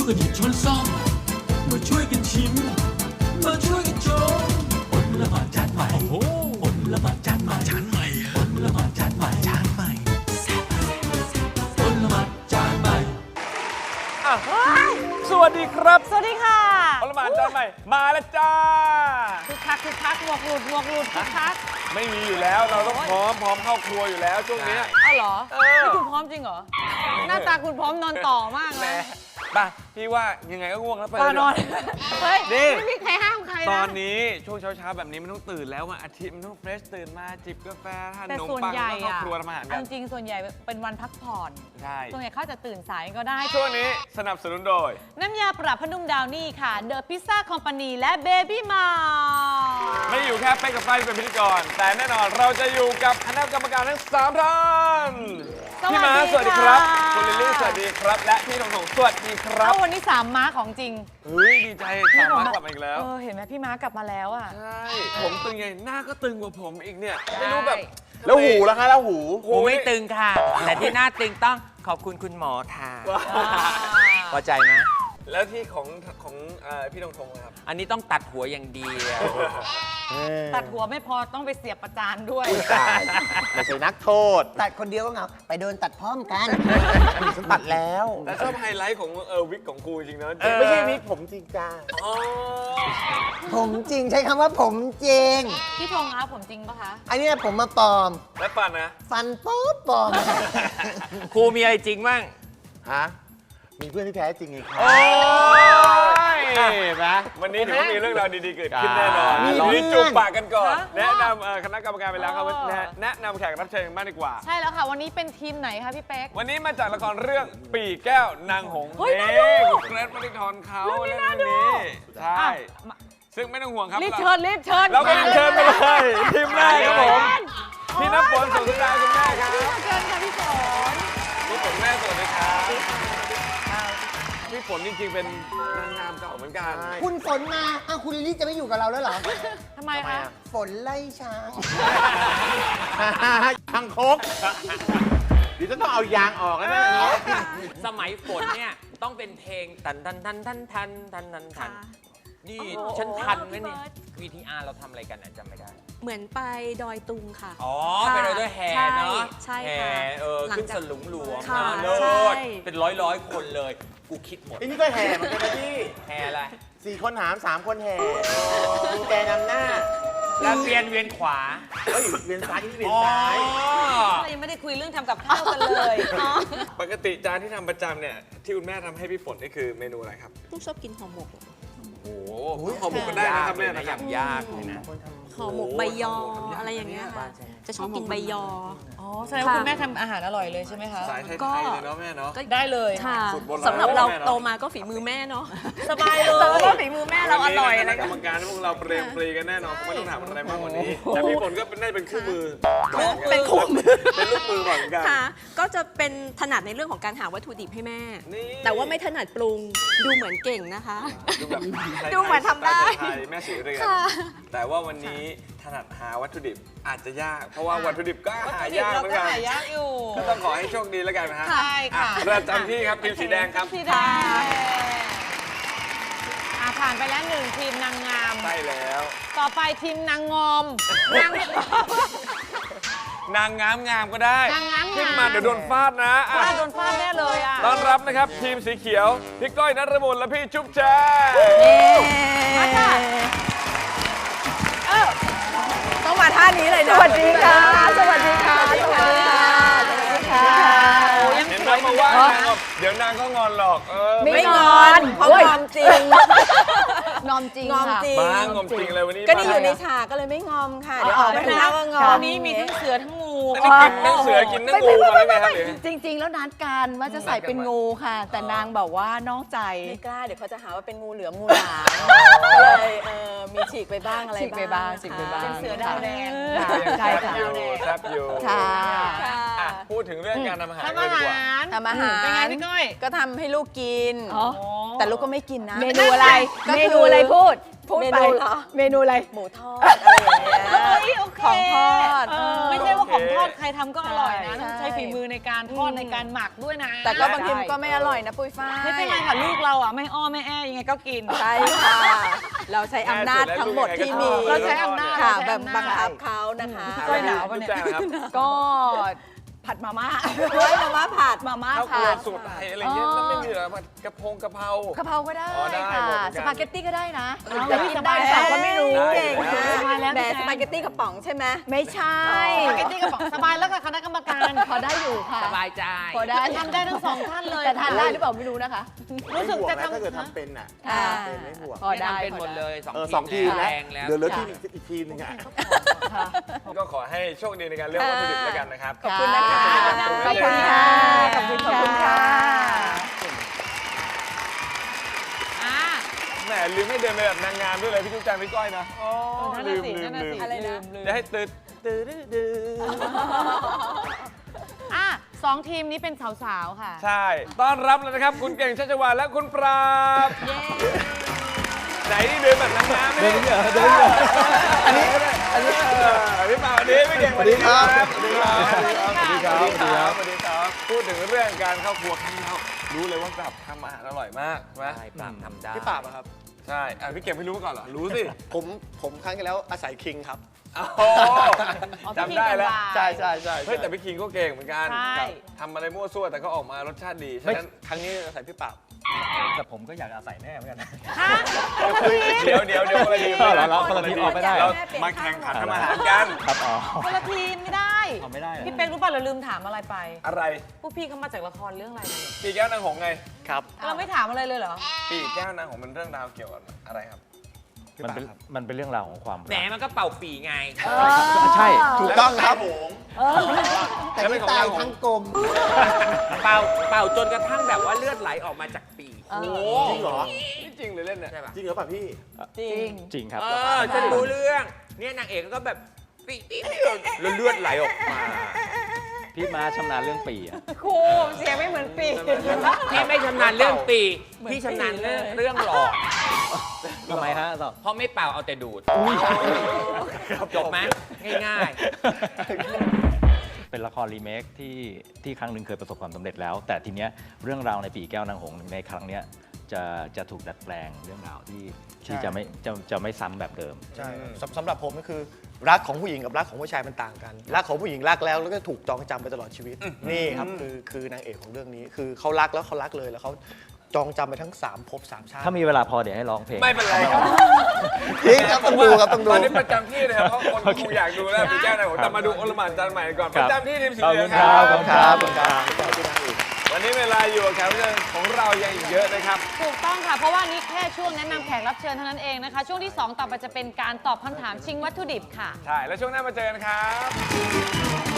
วยกันหยิบช้อนซ่อมมาช่วยกันชิมมาช่วยกันชมอดละหมาดจานใหม่อดละหมาดจานใหม่อดละหมาดจานใหม่อดละหมาดจานใหม่สวัสดีครับสวัสดีค่ะอลหมานจานใหม่มาแล้วจ้าคึกคักหมวกหลุดคึกคักไม่มีอยู่แล้วเราต้องพร้อมเข้าครัวอยู่แล้วช่วงนี้อ้าวเหรอนี่คุณพร้อมจริงเหรอ หน้าตาคุณพร้อมนอนต่อมากเลยไปพี่ว่ายังไงก็ง่วงแล้วไปนอนเฮ้ยนี่ไม่มีใครห้ามใครนะตอนนี้ช่วงเช้าแบบนี้มันต้องตื่นแล้ววันอาทิตย์มันต้องเฟรชตื่นมาจิบกาแฟทานขแต่นมส่วนปังใหญ่แล้วเข้าอะครัวทำอาหารเอากันจริงส่วนใหญ่เป็นวันพักผ่อนใช่ส่วนใหญ่เขาจะตื่นสายก็ได้ช่วงนี้สนับสนุนโดยน้ำยาปรับผ้านุ่มดาวนี่ค่ะ The Pizza Company และ Baby m a ไม่ได้อยู่แค่เป๊กกับไฟเป็นพิธีกรแต่แน่นอนเราจะอยู่กับคณะกรรมการทั้ง3ท่านพี่ม้าสวัสดีครับคุณลิลลี่สวัสดีครับและพี่ทงสวัสดีครับวันนี้3ม้าของจริงเฮ้ยดีใจสามารถกลับมาอีกแล้วเห็นไหมพี่ม้ากลับมาแล้วอ่ะใช่ผมตึงไงหน้าก็ตึงกว่าผมอีกเนี่ยไม่รู้แบบแล้วหูล่ะคะแล้วหูหูไม่ตึงค่ะ แต่ที่หน้าตึงต้องขอบคุณคุณหมอค่ะพอใจไหมแล้วที่ของพี่ทงนะครับอันนี้ต้องตัดหัวอย่างเดียวตัดหัวไม่พอต้องไปเสียบประจานด้วยไม่ใช่นักโทษตัดคนเดียวก็เหงาไปโดนตัดพร้อมกันฉันตัดแล้วแต่ชอบไฮไลท์ของวิกของครูจริงนะไม่ใช่วิกผมจริงจ้าอ๋อผมจริงใช้คำว่าผมจริงพี่ธงคะผมจริงปะคะอันเนี้ยผมมาปลอมและปันนะฟันป๊อบปลอมครูมีอะไรจริงบ้างฮะ มีเพื่อนที่แท้จริงไงครับโอ้ยเห็นไหมวันนี้ถือว่ามีเรื่องราวดีๆเกิดขึ้นแน่นอนมีเราเพื่อนจูบปากกันก่อนฮะแนะนำคณะกรรมการไปแล้วครับว่าแนะนำแขกรับเชิญกันบ้างดีกว่าใช่แล้วค่ะ วันนี้เป็นทีมไหนคะพี่เป๊กวันนี้มาจากละครเรื่องปีแก้วนางหงส์เฮ้ยน่าดูคุณเกรซมาริทอนเขาเรื่เล่อน งนี้เรื่องน่าดูนี้ใช่ ซึ่งไม่ต้องห่วงครับรีบเชิญเราก็เชิญไปเลยทีมแรกครับผมพี่น้ำฝนสุขดาคุณแม่ครับเชิญค่ะพี่ฝนพี่ฝนแม่สวัสดีครับพี่ฝนจริงๆเป็นนางงามเก่าเหมือนกันคุณฝนมาคุณลิลลี่จะไม่อยู่กับเราแล้วเหรอทำไมคะฝนไล่ช้างทางโคกเดี๋ยวจะต้องเอายางออกแล้วนะสมัยฝนเนี่ยต้องเป็นเพลงทันนี่ฉันทันไหมเนี่ย VTR เราทำอะไรกันจำไม่ได้เหมือนไปดอยตุงค่ะอ๋อค่ะไปเลยด้วยแห่เนาะใช่แห่ค่ะหลังขึ้นจากสลุงหลวงค่ะนะเลิใช่ศเป็นร้อยคนเลย กูคิดหมดไอ้นี่ก็แห่เหมือนกันนะพี่แห่อะไร 4 คนหาม 3 คนแห่ดูแกนำหน้าแล้วเวียนขวาเฮ้ยเวียนซ้ายนี่เวียนอ๋อซ้ายเรายังไม่ได้คุยเรื่องทำกับข้าวกันเลยปกติจานที่ทำประจำเนี่ยที่คุณแม่ทำให้พี่ฝนนี่คือเมนูอะไรครับลูกชอบกินห่อหมกโอ้โหห่อหมกกันได้นะครับแม่นะครับยากเลยนะห่อหมกใบยออะไรอย่างเงี้ยค่ะ จะชอบกินใบยออ๋อแสดงว่าคุณแม่ทำอาหารอร่อยเลยใช่ไหมคะสายไทยๆเลยเนาะแม่เนาะได้เลยค่ะสูตรโบราณสำหรับเราแม่เนอะโตมาก็ฝีมือแม่เนาะสบายเลยเพราะว่าฝีมือแม่เราอร่อยวันอะไรนี้คณะกรรมการพวกเราเปรมปรีกันแน่นอนไม่ต้องถามอะไรมากกว่านี้แต่พี่ฝนก็ได้เป็นคู่มือเป็นคู่มือเป็นลูกมือเหมือนกันค่ะ ก็จะเป็นถนัดในเรื่องของการหาวัตถุดิบให้แม่นี่แต่ว่าไม่ถนัดปรุง ดูเหมือนเก่งนะคะดูแบบไทยๆดูเหมือนทำได้สตล์ไทยๆแม่สีเรือนค่ะแต่ว่าวันนี้ถนัดหาวัตถุดิบอาจจะยาก เพราะว่าวัตถุดิบก็หายากเราเหมือนก็กันหายากอยู่ก็ต้องขอให้โชคดีแล้วกันนะฮะใช่ค่ะอ่ประจำที่ครับทีมสีแดงครับสีแดงผ่านไปแล้ว1ทีมนางงามใช่แล้วต่อไปทีมนางงอมนางนางงามก็ได้นางงามขึ้นมาเดี๋ยวโดนฟาดนะอ่ะโดนฟาดแน่เลยอ่ะต้อนรับนะครับทีมสีเขียวพี่ก้อยนฤมลและพี่จุ๊บแจงมาค่ะต้องมาท่านี้เลยนะ สวัสดีค่ะ สวัสดีค่ะ สวัสดีค่ะ สวัสดีค่ะโอ้ยังเห็นสไหมวยมาว่านางบอกเดี๋ยวนางก็งอนหรอกไม่งอนเพราะงอมจริงงอมจริงงอมค่ะจริงบ้างอมจริงเลยวันนี้ก็นี่อยู่ในฉากก็เลยไม่งอมค่ะ เดี๋ยวออกไปข้างนอกก็งอมวันนี้มีทั้งเสือทั้งงูอันนี้กินทั้งเสือกินทั้งงูมาแล้วไงครับหรือจริง ๆ แล้วนัดกันว่าจะใส่เป็นงูค่ะ แต่นางบอกว่านอกใจไม่กล้า เดี๋ยวเขาจะหาว่าเป็นงูเหลือมงูหลามก็เลยมีฉีกไปบ้างอะไรฉีกไปบ้างฉีกไปบ้างเป็นเสือดาวแดงใช่ค่ะแซ่บอยู่ค่ะค่ะอ่ะพูดถึงเรื่องการทำอาหารทำเลอายดีกว่าหารทำอาหารเป็นไงพี่ก้อยก็ทำให้ลูกกินอ๋อแต่ลูกก็ไม่กินนะเมนูอะไรก็คือเมนูอะไรพูดพูดเมไปนูเหรอเมนูอะไรหมูทอดอะไรอย่างเงี้ยเฮ้ยโอเคของทอดไม่ใช่ว่าของทอดดใครทำก็อร่อยนะใช่ต้องใช้ฝีมือในการทอดในการหมักด้วยนะแต่ก็บางทีมันก็ไม่อร่อยนะปุ้ยฝ้ายไม่เป็นไรค่ะลูกเราอ่ะไม่อ้อไม่แอยังไงก็กินใช่ค่ะ เราใช้อำนาจทั้งหมดที่มีเราใช้อำนาจค่ะเราใช้แบบอำนาจบังคับเขานะคะก้อยหนาวปะเนี่ยแจ้งครับก็ผัดมาม่าร้อยมาม่าผัดมาม่าข้าวครัผัวดสูตรไทยอะไรเงี้ยแล้วไม่มีเหรอผัดกระเพรากะเพราก็ได้อ๋อได้ค่ะหมดเหมือนกันสปาเกตตี้ก็ได้นะเอาจะกินได้สเปบาล่าย ก็ไม่รู้ได้เก่งได้นะสบายแล้วแต่พี่แจ๊คสปาเกตตี้กระป๋องใช่ไหมไม่ใช่สปาเกตตี้กระป๋องสบายแล้วกับคณะกรรมการพอได้อยู่ค่ะสบายใจพอได้ทำได้ทั้งสองท่านเลยแต่ทานได้หรือเปล่าไม่รู้นะคะรู้สึกจะไม่ห่วงนะถ้าเกิดทำทำเป็นอ่ะค่ะเป็นไม่ห่วงพอได้เป็นหมดเลยสองทีมนะแรงแล้วเดี๋ยวเหลือทีมอีกทีมหนึงอ่ะก็ขอให้โชคดีในการเลือกวัตถุดิบแล้วกันนะครับขอบคุณนะคะขอบคุณค่ะขอบคุณค่ะอ่าแหมลืมไม่เดินไปแบบนางงามด้วยเลยพี่จุ๊บแจงพี่ก้อยนะอ๋อนั่นลืน่ะมสิลืนั่มนน่ะลืสิมอะไรนะลืมจะให้ตื่นตื่นตื่นอ่ะสองทีมนี้เป็นสาวๆค่ะใช่ ต้อนรับเลยนะครับ คุณเก่งชัชวาลและคุณปราบเย้ไหนนี่เดินแบบนางงามไม่ได้เดินอันนี้พี่ปราบอันนี้พี่เก่งสวัสดีครับสวัสดีครับสวัสดีครับสวัสดีครับสวัสดีครับพูดถึงเรื่องการเข้าครัวครั้งแล้วรู้เลยว่าปราบทำอาหารอร่อยมากใช่ไหมใช่ปราบทำได้พี่ปราบอะครับใช่พี่เก่งไม่รู้มาก่อนเหรอรู้สิผมครั้งที่แล้วอาศัยคิงครับโอ้จำได้แล้วใช่ใช่ใช่เฮ้ยแต่พี่คิงก็เก่งเหมือนกันใช่ทำอะไรมั่วซั่วแต่ก็ออกมารสชาติดีฉะไม่นั้นครั้งนี้อาศัยพี่ปราบแต่ผมก็อยากอาศัยแน่เหมือนกันนะเดี๋ยวคนละทีมเราคนละทีมออกไม่ได้เรามาแข่งขันทำอาหารกันครับอ๋อคนละทีมไม่ได้เอาไม่ได้เหรอพี่เป๊กรู้ป่ะเราลืมถามอะไรไปอะไรพวกพี่เขามาจากละครเรื่องอะไรกันเนี่ยปีแก้วนางหงส์ไงครับเราไม่ถามอะไรเลยเหรอปีแก้วนางหงส์มันเรื่องราวเกี่ยวกับอะไรครับมันเป็นเรื่องราวของความแหมมันก็เป่าปีไงใช่ถูกต้องครับแต่ที่ตายทั้งกลมเป่าจนกระทั่งแบบว่าเลือดไหลออกมาจากปีโอ้จริงเหรอนี่จริงเลยเล่นเนี่ยใช่ปะจริงเหรอป่ะพี่จริงจริงครับฉันรู้เรื่อง เนี่ยนางเอกก็แบบปีแล้วเลือดไหลออกมาพี่ม้าชำนาญเรื่องปีอะครูเสียงไม่เหมือนปีพี่ไม่ชำนาญเรื่องปี พี่ชำนาญเรื่องหลอดทำไมฮะต่อเพราะไม่เป่าเอาแต่ดูด จบไหมง่ายเป็นละครรีเมคที่ครั้งหนึ่งเคยประสบความสำเร็จแล้ว แต่ทีเนี้ยเรื่องราวในปีแก้วนางหงส์ในครั้งเนี้ยจะถูกดัดแปลงเรื่องราวที่จะไม่ซ้ำแบบเดิมใช่สำหรับผมก็คือรักของผู้หญิงกับรักของผู้ชายมันต่างกัน รักของผู้หญิงรักแล้วก็ถูกจองจำไปตลอดชีวิต นี่ครับคือนางเอกของเรื่องนี้ คือเขารักแล้วเขารักเลยแล้วเขาจองจำไปทั้ง3ภพ3ชาติถ้ามีเวลาพอเดี๋ยวให้ร้องเพลงไม่เป็นไรครับจริงครับต้องดูครับต้องดูตอนนี้ประจำที่เลยครับเพราะคนคงอยากดูแล้วปีแก้วนางหงส์แต่มาดูโอลหม่านจานใหม่ก่อนคปรับระจำที่ทีมสีขอบเหลืคุองณคครัรับบขอบคุณครับวันนี้เวลาอยู่กับแขกรับเชิญของเรายังอีกเยอะนะครับถูกต้องค่ะ เพราะว่านี่แค่ช่วงแนะนำแขกรับเชิญเท่านั้นเองนะคะ ช่วงที่ 2 ต่อไปจะเป็นการตอบคำถามชิงวัตถุดิบค่ะใช่ แล้วช่วงหน้ามาเจอกันครับ